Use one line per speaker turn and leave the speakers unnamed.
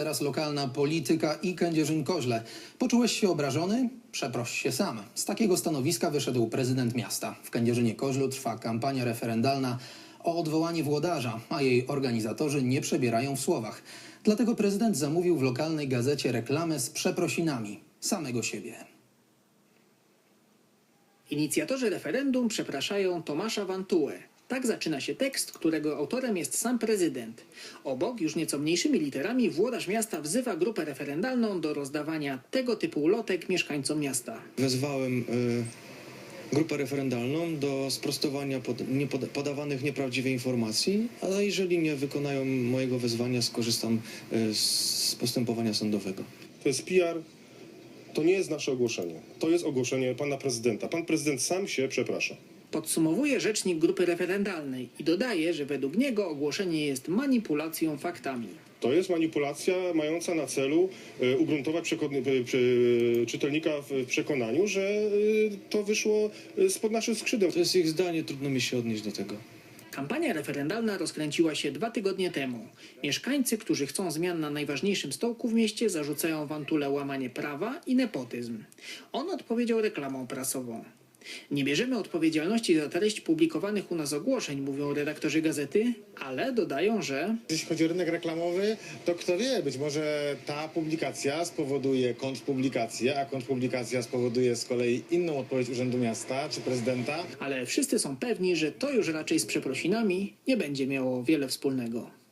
teraz lokalna polityka i Kędzierzyn-Koźle. Poczułeś się obrażony? Przeproś się sam. Z takiego stanowiska wyszedł prezydent miasta. W Kędzierzynie-Koźlu trwa kampania referendalna o odwołanie włodarza, a jej organizatorzy nie przebierają w słowach. Dlatego prezydent zamówił w lokalnej gazecie reklamę z przeprosinami samego siebie.
Inicjatorzy referendum przepraszają Tomasza Vantułę. Tak zaczyna się tekst, którego autorem jest sam prezydent. Obok, już nieco mniejszymi literami, włodarz miasta wzywa grupę referendalną do rozdawania tego typu ulotek mieszkańcom miasta.
Wezwałem grupę referendalną do sprostowania podawanych nieprawdziwych informacji, a jeżeli nie wykonają mojego wezwania, skorzystam z postępowania sądowego.
To jest PR, to nie jest nasze ogłoszenie. To jest ogłoszenie pana prezydenta. Pan prezydent sam się przeprasza.
Podsumowuje rzecznik grupy referendalnej i dodaje, że według niego ogłoszenie jest manipulacją faktami.
To jest manipulacja mająca na celu ugruntować czytelnika w przekonaniu, że to wyszło spod naszych skrzydeł.
To jest ich zdanie, trudno mi się odnieść do tego.
Kampania referendalna rozkręciła się 2 tygodnie temu. Mieszkańcy, którzy chcą zmian na najważniejszym stołku w mieście, zarzucają Vantule łamanie prawa i nepotyzm. On odpowiedział reklamą prasową. Nie bierzemy odpowiedzialności za treść publikowanych u nas ogłoszeń, mówią redaktorzy gazety, ale dodają, że
jeśli chodzi o rynek reklamowy, to kto wie, być może ta publikacja spowoduje kontrpublikację, a kontrpublikacja spowoduje z kolei inną odpowiedź Urzędu Miasta czy prezydenta.
ale wszyscy są pewni, że to już raczej z przeprosinami nie będzie miało wiele wspólnego.